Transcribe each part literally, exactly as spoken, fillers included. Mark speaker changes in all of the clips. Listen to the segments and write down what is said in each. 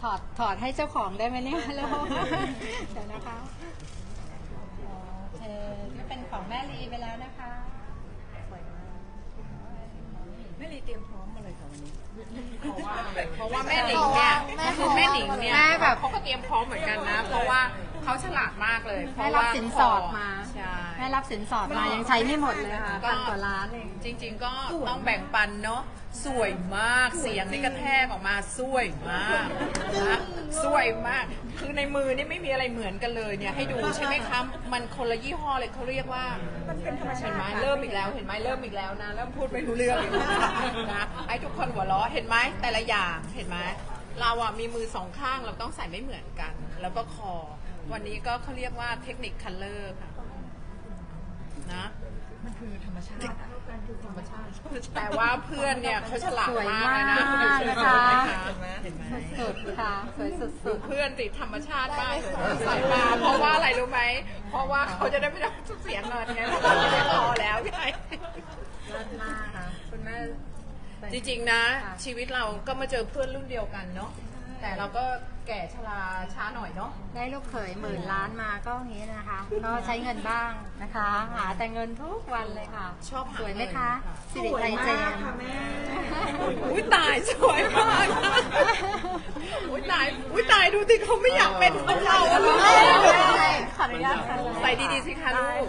Speaker 1: ถอดถอดให้เจ้าของได้ไหมเนี่ยลูกเดี๋ยวนะคะโอเคก็เป็นของแม่ลีไปแล้วนะคะสวยมาก
Speaker 2: แม่ลีเตรียมพร้อมมาเลยค่ะวันนี้เพราะว่า
Speaker 3: เพราะว่าแม่หนิงเนี่ยคือแม่หนิงเนี่ย
Speaker 1: แม่แบบ
Speaker 3: เขาก็เตรียมพร้อมเหมือนกันนะ เพราะว่าเขาฉลาดมากเลยเพ
Speaker 1: แม่
Speaker 3: ราะ
Speaker 1: รับ
Speaker 3: ว่า
Speaker 1: สินสอดมา
Speaker 3: ใช่
Speaker 1: แม่รับสินสอดมายังใช้ไม่หมดเลยค่ะพันกว่าล้านเอง
Speaker 3: จริงๆก็ต้องแบ่งปันเนาะสวยมากเสียงนี่กระแทกออกมาสวยมากนะสวยมากคือในมือนี่ไม่มีอะไรเหมือนกันเลยเนี่ยให้ดูใช่ไหมคะมันคนละยี่ห้อเลยเขาเรียกว่ามันเป็นธรรมชาติไหมเริ่มอีกแล้วเห็นไหมเริ่มอีกแล้วนะเริ่มพูดไม่รู้เรื่องอีกแล้วนะให้ทุกคนหัวเราะเห็นไหมแต่ละอย่างเห็นไหมเราอะมีมือสองข้างเราต้องใส่ไม่เหมือนกัน แล้วก็คอวันนี้ก็เขาเรียกว่าเทคนิคคัลเลอร์ค่ะนะ
Speaker 2: มันคือธรรมชาติอะ
Speaker 3: ธรรมชาติแต่ว่าเพื่อนเนี่ยเขาฉลาด
Speaker 1: สวย
Speaker 3: มาก
Speaker 1: มาก
Speaker 3: เลยนะ
Speaker 1: นะคะ
Speaker 2: เห็นไหมเห็นไหม
Speaker 1: สุดๆค่ะสวยสุ
Speaker 3: ดู
Speaker 1: ด
Speaker 3: เพื่อนติดธรรมชาติมากเลยใส่มาเพราะว่าอะไรรู้ไหมเพราะว่าเขาจะได้ไม่ต้องเสียเงินไงเพราะว่าไม่พอแล้วไง
Speaker 1: ๆเลิศมากค่ะคุณแม่
Speaker 3: จริงๆนะ ชีวิตเราก็มาเจอเพื่อนรุ่นเดียวกันเนาะแต่เราก็แก่ชราช้าหน่อยเนาะ
Speaker 1: ได้ลูกเขยหมื่นล้านมาก็อย่างนี้นะคะ ก็ใช้เงินบ้างนะคะ หาแต่เงินทุกวันเลยค่ะ
Speaker 3: ชอบหา
Speaker 1: สวยไหมคะ
Speaker 3: เงินค่ะ
Speaker 1: สิริไทยเจมส์
Speaker 3: อุ้ยตายสวยมากอุ้ยตายอุ้ยตายดูสิเขาไม่อยากเป็นของเราอะลูก
Speaker 1: ขออนุญาตค่ะ
Speaker 3: ใส่ดีๆสิคะลูก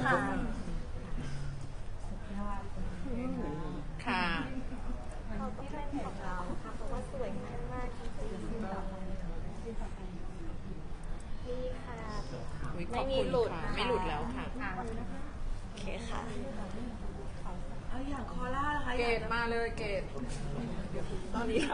Speaker 3: ค่ะ
Speaker 4: เขาต้องเป็นของเราค่ะเพราะว่าสวยมากๆจริงๆนี่ค่ะ
Speaker 3: อุ๊ยข
Speaker 4: ไม่
Speaker 3: อบ
Speaker 4: มี
Speaker 3: คุณ
Speaker 4: หลุด
Speaker 3: ค่ะ
Speaker 4: นะคะ
Speaker 3: ไม่หลุดแล้วค่ะ
Speaker 4: โอเคค่ะ
Speaker 2: เอาอย่างคอล่าล่ะคะ
Speaker 3: เกรดมาเลยเกรดตอนนี้